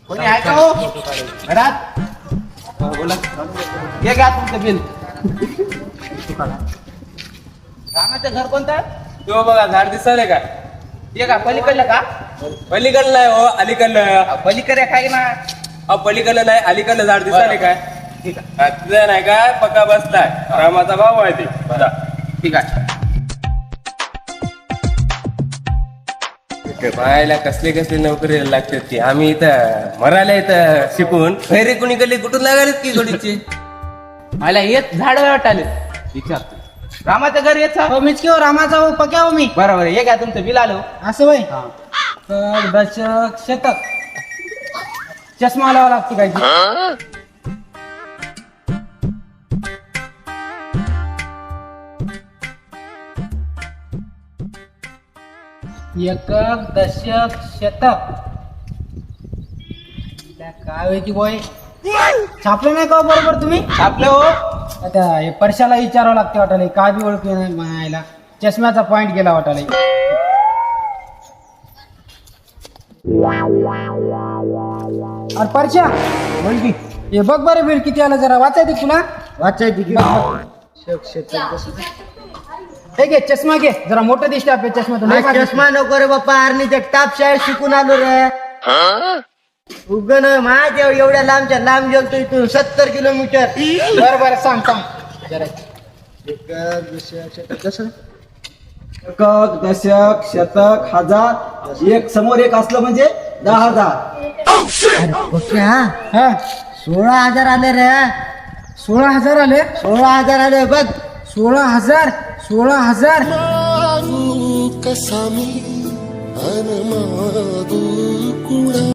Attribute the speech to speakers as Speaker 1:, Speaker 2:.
Speaker 1: कोणी आहे का हो घरात? बोला. हे घ्या तुमचं बिल. रामाचं घर कोणतं आहे?
Speaker 2: तो बघा झाड दिसले का?
Speaker 1: ते का पलीकडलं का?
Speaker 2: पलीकडलं आहे हो, अलीकडलं.
Speaker 1: पलीकडे काय ना?
Speaker 2: पलीकडलं नाही, अलीकडलं झाड दिसले काय?
Speaker 1: ठीक आहे.
Speaker 2: तिथं नाही काय पक्का बसताय. रामाचा भाऊ आहे ते. बघा.
Speaker 1: ठीक आहे.
Speaker 2: पाहायला कसले कसले नोकरी लागतात ती. आम्ही इथं मरायला इथं शिकून खैरे कुणी कडे कुठून लागालेत की जोडीचे.
Speaker 1: मला येत झाड वाटाले विचारतो. रामाचं घर येत
Speaker 3: हो मीच किंवा रामाचा हो पक्या हो मी.
Speaker 1: बरोबर हे घ्या तुमचं बिल आलं.
Speaker 3: असं वय दशक शतक चष्मा लावा लागते काय एकक दशक शतक काय होती बोय छापलं नाही का बरोबर तुम्ही?
Speaker 1: आपलं हो.
Speaker 3: आता हे परशाला विचारावं लागते वाटायला काय बी ओळखू नाही मायला चष्म्याचा पॉइंट गेला वाटायला. अरे परशा बोल की हे बघ बरं बिल किती आलं जरा वाचायची तुला? वाचायची हे घे चष्मा घे जरा मोठं दिसते आपल्या चष्मा तुला.
Speaker 4: चष्मा नको रे बाप्पा आर्नी जगताप शाळेत शिकून आलो रे. उगन माझ्या एवढ्या लांबच्या लांब गेलतो इथून 70 किलोमीटर.
Speaker 3: बरं बरं सांग सांग जरा
Speaker 5: एकक दशक शतक हजार एक समोर एक असलं म्हणजे 10,000.
Speaker 3: हा
Speaker 4: 16,000 आले रे.
Speaker 3: 16,000 आले.
Speaker 4: 16,000 आले बघ.
Speaker 3: 16,000 16,000
Speaker 6: कसामी अनमादू कुणा